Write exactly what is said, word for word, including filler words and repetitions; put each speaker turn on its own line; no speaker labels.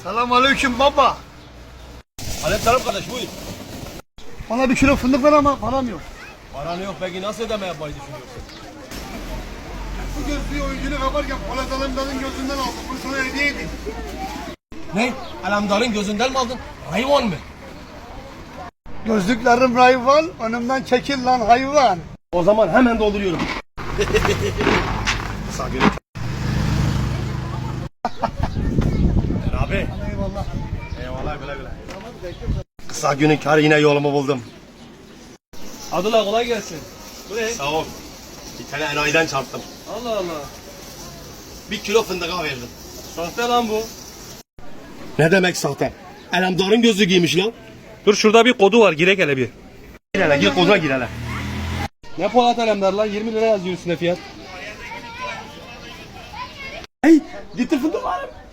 Selamünaleyküm baba.
Aleykümselam kardeş, buyur.
Bana bir kilo fındık ver ama param yok.
Paran yok, peki nasıl ödeme yapmayı düşünüyorsun?
Bu gözlüğü oyuncunu kaparken Polat Alemdar'ın gözünden aldım. Bunu sana hediye edeyim.
Ne? Alemdar'ın gözünden mi aldın? Hayvan mı?
Gözlüklerim hayvan, önümden çekil lan hayvan.
O zaman hemen dolduruyorum. Sağ günü. Abi.
Eyvallah.
Eyvallah, güle güle. Kısa günün karı, yine yolumu buldum. Adına kolay gelsin. Bu ne? Sağ ol. Bir tane enayiden çarptım. Allah Allah. Bir kilo fındığa verdim. Sahte lan bu. Ne demek sahte? Alemdar'ın gözlüğü giymiş lan.
Dur şurada bir kodu var, girek hele bir.
Gir hele, gir koduna gir hele.
Ne Polat Alemdar lan, yirmi lira yazıyor üstüne fiyat.
Hey, getir fındık var.